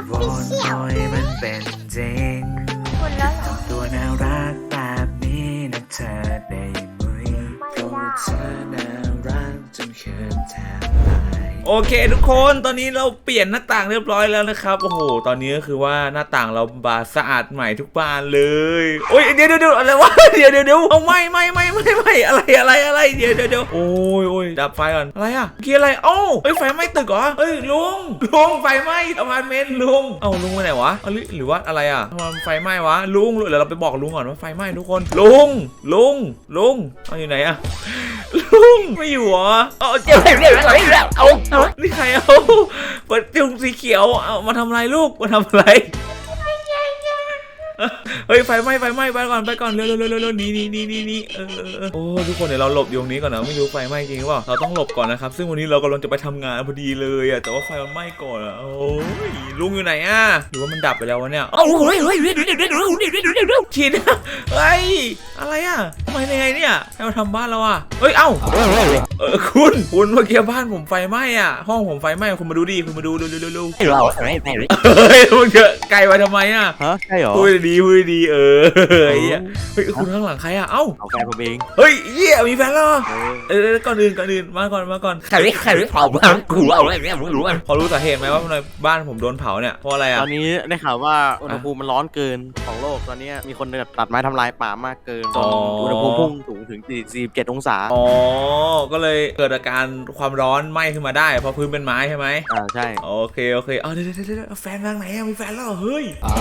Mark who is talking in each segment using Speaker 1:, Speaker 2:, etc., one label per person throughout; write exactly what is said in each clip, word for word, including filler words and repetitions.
Speaker 1: วอนปล่อยมันเป็นจริงตัวน่ารักแบบนี้นะเธอได้ไหมเพราะว่าเธอน่ารักจนเขินแทบตายโอเคทุกคนตอนนี้เราเปลี่ยนหน้าต่างเรียบร้อยแล้วนะครับโอ้โหตอนนี้ก็คือว่าหน้าต่างเราบานสะอาดใหม่ทุกบานเลยโอ้ยเดี๋ยวเดี๋ยวอะไรวะเดี๋ยวเดี๋ยวเดี๋ยวเอาไม่ไม่ไม่ไม่ไม่อะไรอะไรอะไรเดี๋ยวเดี๋ยวเดี๋ยวโอ้ยโอ้ยดับไฟก่อนอะไรอ่ะเกี่ยอะไรเอ้าเอ้ยไฟไหม้ตึกเหรอเอ้ยลุงลุงไฟไหม้อพาร์ตเมนต์ลุงเอ้าลุงไปไหนวะหรือหรือว่าอะไรอ่ะทำไมไฟไหม้วะลุงเดี๋ยวเราไปบอกลุงก่อนว่าไฟไหม้ทุกคนลุงลุงลุงเอาอยู่ไหนอ่ะลุงไม่อยู่เหรอเอ้าเดี๋ยวเดี๋ยวเดี๋ยวเอาเอานี่ใครเอาเปิดจุงสีเขียวเอามาทำอะไรลูกมาทำอะไรเฮ้ยไฟไหม้ไฟไหม้ไปก่อนไปก่อนเร็วเร็วเร็วเร็วนี่นี่นี่นี่นี่เออเออโอ้ทุกคนเดี๋ยวเราหลบอยู่ตรงนี้ก่อนนะไม่รู้ไฟไหม้จริงหรือเปล่าเราต้องหลบก่อนนะครับซึ่งวันนี้เรากำลังจะไปทำงานพอดีเลยอะแต่ว่าไฟมันไหม้ก่อนอะโอ้ยลุงอยู่ไหนอะหรือว่ามันดับไปแล้ววะเนี่ยโอ้ยเฮ้ยเฮ้ยเร็วเร็วเร็วเร็วเร็วเร็วเร็วฉีดเฮ้ยอะไรอะทำไมยังไงเนี่ยให้มาทำบ้านเราอะเฮ้ยเอ้าเออคุณคุณเมื่อกี้บ้านผมไฟไหม้อะห้องผมไฟไหม้คุณมาดูดิคุณมาดูเร็วเร็วเร็วเร็วเราไม่ไม่เฮ้ยมึงเจอไกลไปทำไมอะ
Speaker 2: ฮะใช่หรอ
Speaker 1: พูดดีพูดดีเออเฮ้ยเฮ้ยคุณข้างหลังใครอ่ะเอ้า
Speaker 2: เอาแฟนผมเอง
Speaker 1: เฮ้ยเยี่ยมีแฟนแล้วเออก่อนอื่นก่อนอื่นมาก่อนมาก่อนใครใครเผาบ้านกูเอาอะไรเนี่ยรู้ไหมพอรู้สาเหตุไหมว่าทำไมบ้านผมโดนเผาเนี่ยเพราะอะไรอ่ะ
Speaker 2: ตอนนี้ได้ข่าวว่าอุณหภูมิมันร้อนเกินของโลกตอนนี้มีคนตัดไม้ทำลายป่ามากเกินจนอุณหภูมิพุ่งสูงถึงสี่สิบเจ็ดองศา
Speaker 1: อ๋อก็เลยเกิดอาการความร้อนไหม้ขึ้นมาได้เพราะพื้นเป็นไม้ใช่ไหม
Speaker 2: อ่าใช่
Speaker 1: โอเคโอเคเอาเดี๋ยวเดี๋ยวเดี๋ยวแฟนทางไหนอ่ะมีแฟนแล้วเฮ้ย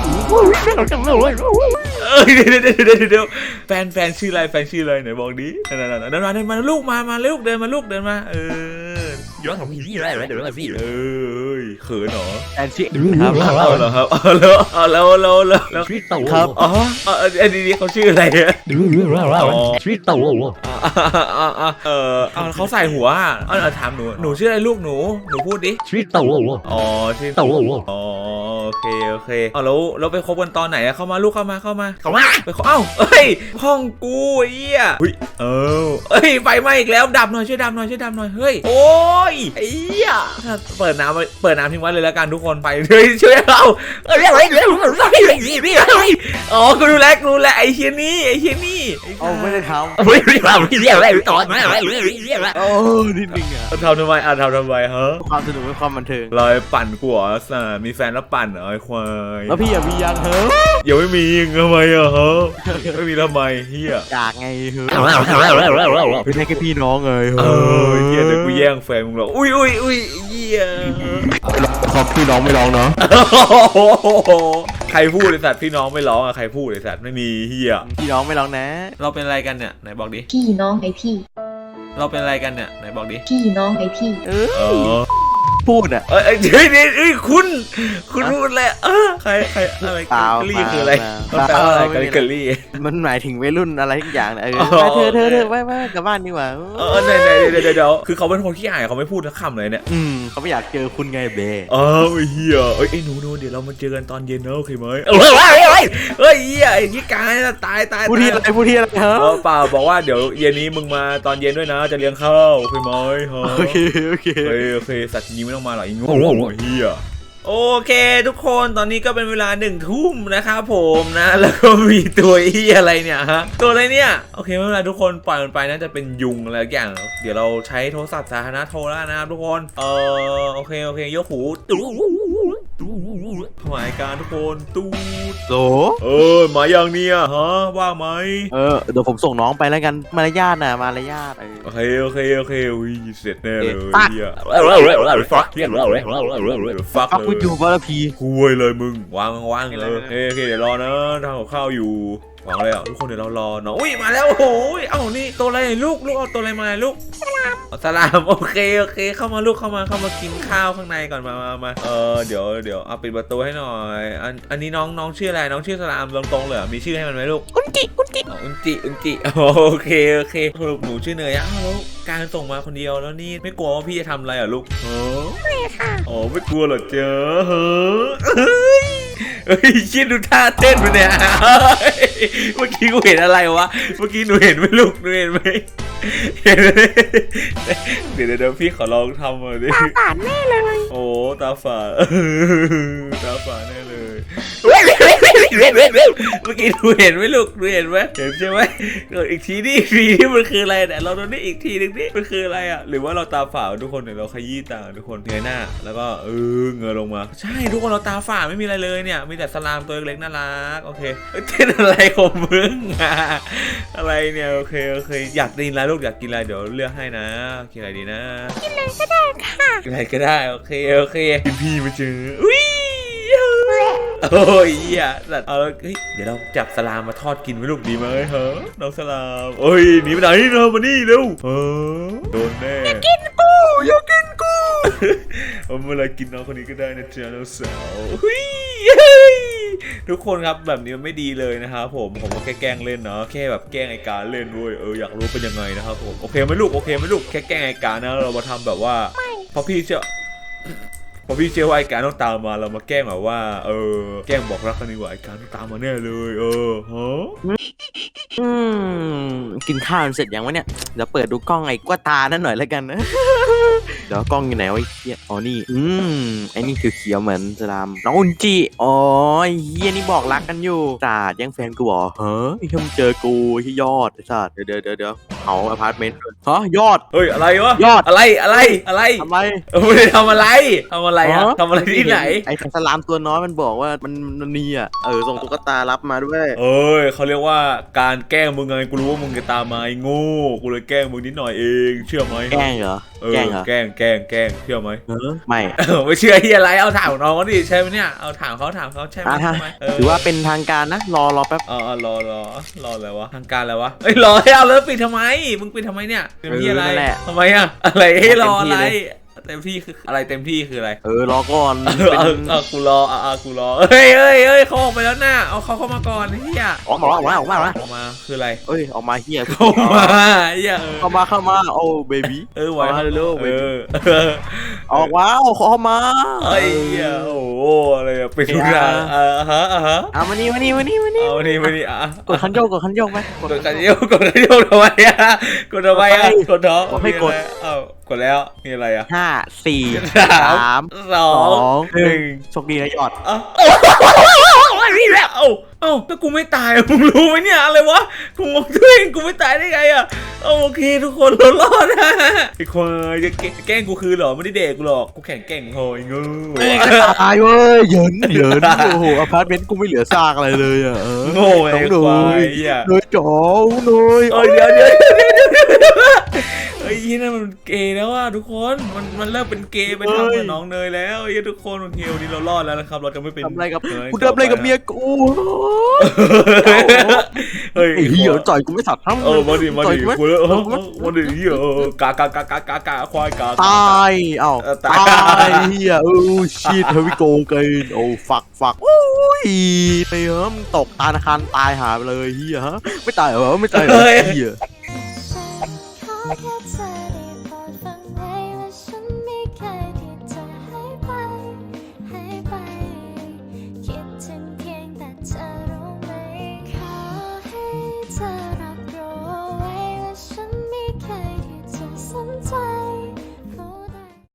Speaker 1: เอ้ยเดี๋ยวเดี๋ยวเดี๋ยวเดี๋ยวแฟนแฟนชื่ออะไรแฟนชื่ออะไรไหนบอกดินั่นนั่นนั่นมาเดินมาลูกมามาลูกเดินมาลูกเดินมาเออย้อนของพี่พี่อะไรอะไรเดี๋ยวมาพี่เออเขินเหรอ
Speaker 2: แฟนชื่อครับ
Speaker 1: เอาเหรอครับเอาแล้วเอาแล้วแล้วแล้วแล้ว
Speaker 2: ชีวิตเต่าครับ
Speaker 1: อ๋ออันนี้เขาชื่ออะไรอ่ะ
Speaker 2: ชีวิตเต่า
Speaker 1: เออเอาเขาใส่หัวอ่ะเอาถามหนูหนูชื่ออะไรลูกหนูหนูพูดดิ
Speaker 2: ชีวิตเต่า
Speaker 1: อ๋อชื่อ
Speaker 2: เต่า
Speaker 1: อ๋อโอเคโอเคเอาแล้วเราไปคบกันตอนไหนอะเข้ามาลูกเข้ามาเข้ามาเข้ามาไปเอ้าเอ้ยห้องกูไอ้เหี้ยเฮ้ยเออเอ้ยไฟไหม้อีกแล้วดับหน่อยช่วยดับหน่อยช่วยดับหน่อยเฮ้ยโอ้ยไอ้เหี้ยเปิดน้ำเปิดน้ำทิ้งไว้เลยแล้วกันทุกคนไปเฮ้ยช่วยเราเอ้ยเฮ้ยเฮ้ยอ๋อกูดูแลกูดูแลไอ้เหี้ยนี่ไอ้เหี้ยนี่
Speaker 2: เอาไม่ได้ทำ
Speaker 1: เฮ้ยเราเรียกอะไรต่อมาอะไรเรียกอะไร
Speaker 2: โอ้นิดนึงอ่ะ
Speaker 1: ทำทำไมอ่ะทำทำไมฮะ
Speaker 2: ความสนุกและความบันเทิง
Speaker 1: ลอยปั่นกูเหรอสามีแฟนแล้วปั่นเหรอไอ้ควาย
Speaker 2: แล้วพี่อย่ามียังเหรอ
Speaker 1: ยังไม่มีทำไมอ่ะฮะไม่มีทำไมเฮีย
Speaker 2: จากไงเหรอเป็นแค่พี่น้องเลย
Speaker 1: เออเฮียเดี๋ยวกูแย่งแฟนมึงหรอกอุ้ยอุ้ยอุ้ยเฮีย
Speaker 2: ขอพี่น้องไม่ร้องเนาะ
Speaker 1: ใครพูดไอ้สัตว์พี่น้องไม่ร้องอะใครพูดไอ้สัตว์ไม่มีเฮีย
Speaker 2: พี่น้องไม่ร้องนะ
Speaker 1: เราเป็นอะไรกันเนี่ยไหนบอกดิ
Speaker 3: พี่น้องไอพี่
Speaker 1: เราเป็นอะไรกันเนี่ยไหนบอกดิ
Speaker 3: พี่น้องไอพี่
Speaker 2: เออพูดอ่ะ
Speaker 1: เอ้ยเฮ้ยเฮ้ยคุณคุณพูดเลยเออใครใครอะไรกะลี่คืออะไรมันแปลว่าอะไรกะลี่
Speaker 2: มันหมายถึงวัยรุ่นอะไรทุกอย่างเออเธอเธอเธอไปไปกลับบ้านดีกว่า
Speaker 1: เออเดี๋ยวเดี๋ยวเดี๋ยวคือเขาเป็นคนขี้อายเขาไม่พูดทักคำเลยเนี่ย
Speaker 2: อืมเขาไม่อยากเจอคุณไงเบ้
Speaker 1: เออเฮียเอ้ยหนูหนูเดี๋ยวเรามาเจอกันตอนเย็นนะโอเคไหมเฮ้ยเฮ้ยเฮ้ยเฮียไอ้ขี้กายตายตาย
Speaker 2: พูดที่อะไรพูดที่อะไรฮะ
Speaker 1: เปล่าบอกว่าเดี๋ยวเย็นนี้มึงมาตอนเย็นด้วยนะจะเลี้ยงข้าวโอเคไหมฮะ
Speaker 2: โอเคโอเค
Speaker 1: โอเคสัตว์นี้ไม่ต้องมาหรอกไอ้งูเฮียโอเคทุกคนตอนนี้ก็เป็นเวลาหนึ่งทุ่มนะครับผมนะแล้วก็มีตัวอีอะไรเนี่ยฮะตัวอะไรเนี่ยโอเคไม่เป็นไรทุกคนปล่อยมันไปน่าจะเป็นยุงอะไรอย่างเดี๋ยวเราใช้โทรศัพท์สาธารณะโทรแล้วนะครับทุกคนเออโอเคโอเคยกหูตู้หมายการทุกคนตู้
Speaker 2: โห
Speaker 1: เออมาอย่างเนี้ยฮะว่าไหม
Speaker 2: เออเดี๋ยวผมส่งน้องไปแล้วกันมารยาทน่ะมารยาท
Speaker 1: โอเคโอเคโอเคอุ้ยเสร็จแน่เลยเฮียฟักเรียกเราเลยฟัก
Speaker 2: พูดอยู่ว่าละพี
Speaker 1: คุยเลยมึงวางวางเลยโอเคโอเคเดี๋ยวรอนะทำกับข้าวอยู่วางเลยอ่ะทุกคนเดี๋ยวเรารอเนาะอุ้ยมาแล้วโอ้โหเอ้านี่ตัวอะไรลูกลูกเอาตัวอะไรมาลูกสลามสลามโอเคโอเคเข้ามาลูกเข้ามาเข้ามากินข้าวข้างในก่อนมามามาเออเดี๋ยวเดี๋ยวเอาปิดประตูให้หน่อยอันอันนี้น้องน้องชื่ออะไรน้องชื่อสลามตรงๆเลยมีชื่อให้มันไหมลูก
Speaker 3: อุนจิอุนจิ
Speaker 1: อุนจิอุนจิโอเคโอเคลูกหนูชื่อเนยอ่ะแล้วการส่งมาคนเดียวแล้วนี่ไม่กลัวว่าพี่จะทำอะไรอ่ะลูก
Speaker 3: ไม่ค่ะ
Speaker 1: อ๋อไม่กลัวหรอเจ้าเฮ้ยเฮ้ยคิดดูท่าเต้นมันเนี่ยเมื่อกี้กูเห็นอะไรวะเมื่อกี้หนูเห็นไหมลูกหนูเห็นไหมเห็นไหมเดี๋ยวเดี๋ยวพี่ขอลองทำมาดิตาฝาดแน่เลยโอ้ตาฝาดตาฝาดแน่เลยเมื่อกี้หนูเห็นไหมลูกหนูเห็นไหมเห็นใช่ไหมอีกทีนี่อีกทีนี่มันคืออะไรเนี่ยเราโดนนี่อีกทีนึงนี่มันคืออะไรอ่ะหรือว่าเราตาฝาดทุกคนเนี่ยเราขยี้ตาทุกคนเงยหน้าแล้วก็เออเงยลงมาใช่ทุกคนเราตาฝาดไม่มีอะไรเลยเนี่ยมีแต่สลามตัวเล็กน่ารักโอเคเต้นอะไรของมึงอะอะไรเนี่ยโอเคโอเคอยากกินอะไรลูกอยากกินอะไรเดี๋ยวเลือกให้นะกินอะไรดีนะกินอะไรก็ได้ค่ะกินอะไรก็ได้โอเคโอเคพี่มาเจออุ้ยโอ้ยอ่ะสัตว์เอาเฮ้ยเดี๋ยวเราจับสลามมาทอดกินไหมลูกดีไหมเฮ้น้องสลามโอ้ยหนีไปไหนเรามานี่เร็วเออโดนแน่อยากกินกูอยากกินกูเอาเมื่อไรกินน้องคนนี้ก็ได้นะจ๊ะน้องสาวทุกคนครับแบบนี้มันไม่ดีเลยนะครับผมผมก็แค่แกล้งเล่นเนาะแค่แบบแกล้งไอ้การเล่นด้วยเอออยากรู้เป็นยังไงนะครับผมโอเคไหมลูกโอเคไหมลูกแค่แกล้งไอ้การนะเรามาทำแบบว่าเพราะพี่เชื่อพอพี่เชื่อว่าไอ้การต้องตามมาเรามาแกล้งแบบว่าเออแกล้งบอกรักกันดีกว่าไอ้การต้องตามมาแน่เลยเออฮะ
Speaker 2: อืมกินข้าวเสร็จยังวะเนี่ยเดี๋ยวเปิดดูกล้องไอ้กว่าตานั่นหน่อยแล้วกันนะเดี๋ยวกล้องอยู่ไหนวะไอ้เหี้ยอ๋อนี่อืมไอ้นี่คือเขียวเหมือนสลามน้องอุนจิอ๋อเฮียนี่บอกรักกันอยู่ศาสตร์ยังแฟนกูเหรอเฮ้ยมึงเจอกูที่ยอดศาสตร์เดี๋ยวเดี๋ยวเดี๋ยวเขาอพาร์ตเมนต์ฮะยอด
Speaker 1: เฮ้ยอะไรวะ
Speaker 2: ยอด
Speaker 1: อะไรอะไรอะไร
Speaker 2: ทำไม
Speaker 1: ไม่ได้ทำอะไรทำอะไรอะทำอะไรที่ไหน
Speaker 2: ไอ้สลามตัวน้อยมันบอกว่ามันมันมีอ่ะเออส่งตุ๊กตารับมาด้วย
Speaker 1: เอ้ยเขาเรียกว่าการแกล้งมึงไงกูรู้ว่ามึงจะตามมาไอ้โง่กูเลยแกล้งมึงนิดหน่อยเองเชื่อไหม
Speaker 2: แกล้งเหรอ
Speaker 1: แกล้งเหรอแกล้งแกล้งแกล้งเชื่อไหม
Speaker 2: เออไม่
Speaker 1: ไม่เชื่อที่อะไรเอาถามน้องเขาดิใช่ไหมเนี่ยเอาถามเขาถามเขาใช่ไหม
Speaker 2: ถือว่าเป็นทางการนะรอรอแป๊บ
Speaker 1: อ๋อรอรอรออะไรวะทางการอะไรวะเอ้ยรอให้เอาแล้วปิดทำไมมึงปิดทำไมเนี่ยเป็นที่อะไรทำไมอะอะไรให้รออะไรเต็มที่คืออะไรเต็มที่คืออะไร
Speaker 2: เออรอก่อน
Speaker 1: เออเออกูรออ่ะกูรอเฮ้ยเฮ้ยเฮ้ยเขาออกไปแล้วน่ะเอาเขาเข้ามาก่อนเฮีย
Speaker 2: ออกมาออกมาออกมา
Speaker 1: ออกมาคืออะไร
Speaker 2: เอ้ยออกมาเฮีย
Speaker 1: เข้ามาเฮีย
Speaker 2: เข้ามาเข้ามาโอ้เบบี้
Speaker 1: เออไว้
Speaker 2: ฮัลโหล
Speaker 1: เออ
Speaker 2: ออกมาเอาเข้ามา
Speaker 1: ไอ้เฮียโอ้อะไรอะเป็นทุกอย่างอ่ะฮะอ่ะฮะ
Speaker 2: เอามานี่มานี่มานี่มานี่
Speaker 1: เอานี่มานี่อ่ะ
Speaker 2: กดคันโยกกดคันโยกไหม
Speaker 1: กดคันโยกกดคันโยกทำไมอ่ะกดทำไมอ่ะกดท้อง
Speaker 2: ไม่กด
Speaker 1: เอ้ากดแล้วมีอะไรอ่ะ
Speaker 2: ห้าสี่สาม
Speaker 1: สองหนึ่ง
Speaker 2: โชคดีนะยอด
Speaker 1: เอ้าเอ้าเอ้าถ้ากูไม่ตายมึงรู้ไหมเนี่ยอะไรวะกูงงตัวเองกูไม่ตายได้ไงอ่ะโอเคทุกคนเรารอดนะไอ้คนจะแกล้งกูคือหรอไม่ได้เด็กกูหรอกกูแข่งแกล้งโหยงู
Speaker 2: ตายเว้ยเหยินเหยินโอ้โหอพาร์ตเมนต์กูไม่เหลือซากอะไรเลยอ่ะ
Speaker 1: โง่ไอ้ควาย
Speaker 2: เลยจ๋อเลย
Speaker 1: เอ้ยเดี๋ยวเดี๋ยวเฮ้ยนี่นั่นมันเกย์แล้วอ่ะทุกคนมันมันเริ่มเป็นเกย์ไปทำกับน้องเนยแล้วเฮ้ยทุกคนโอเควันนี้เรารอดแล้วนะครับเราจะไม่เป็น
Speaker 2: ทำอะไรกับกูทำอะไรกับเมียกู
Speaker 1: เฮ้ย
Speaker 2: เหี้ยจ่อยกูไม่สัตว์ทั้ง
Speaker 1: เออมาดิมาดิกูแล้วมาดิเหี้ยกากากากากากาควายกา
Speaker 2: ตายเอ้าตายเหี้ยเออชีทเฮวิโกเกินโอ้ฝักฝักโอ้ยไปเฮ้มตกตาคารตายหาไปเลยเหี้ยฮะไม่ตายเหรอไม่ตายเหรอเหี้ย